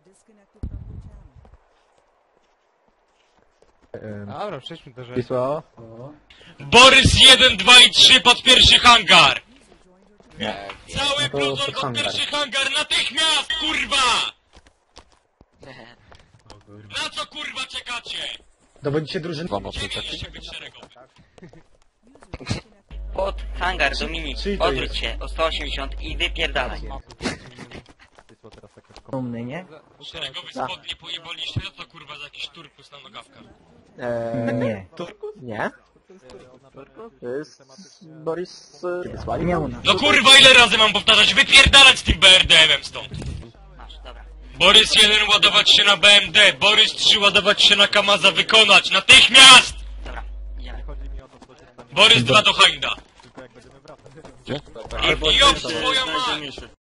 Dobra, przejdźmy do rzeczy. Wisła. Borys 1, 2 i 3 pod pierwszy hangar! Nie. Cały No to pluton pod pod hangar. pierwszy hangar natychmiast, kurwa! Na co kurwa czekacie? Dowodzicie drużyny. Nie mieliście być szeregowy. Pod hangar, Dominik, Czyli to odwróć jest. się o 180 i wypierdalaj. Dumny, nie? Szeregowy spodnie pojebaliście, co to kurwa za jakiś turkus na nogawkach? Nie. Nie? To jest Boris wysłali? Miał na. No kurwa ile razy mam powtarzać, wypierdalać z tym BRDM-em stąd! Masz, dobra. Borys 1 ładować się na BMD, Borys 3 ładować się na Kamaza, wykonać, natychmiast! Dobra, idziemy. Borys 2 do Hinda. Gdzie? I job swoją mać!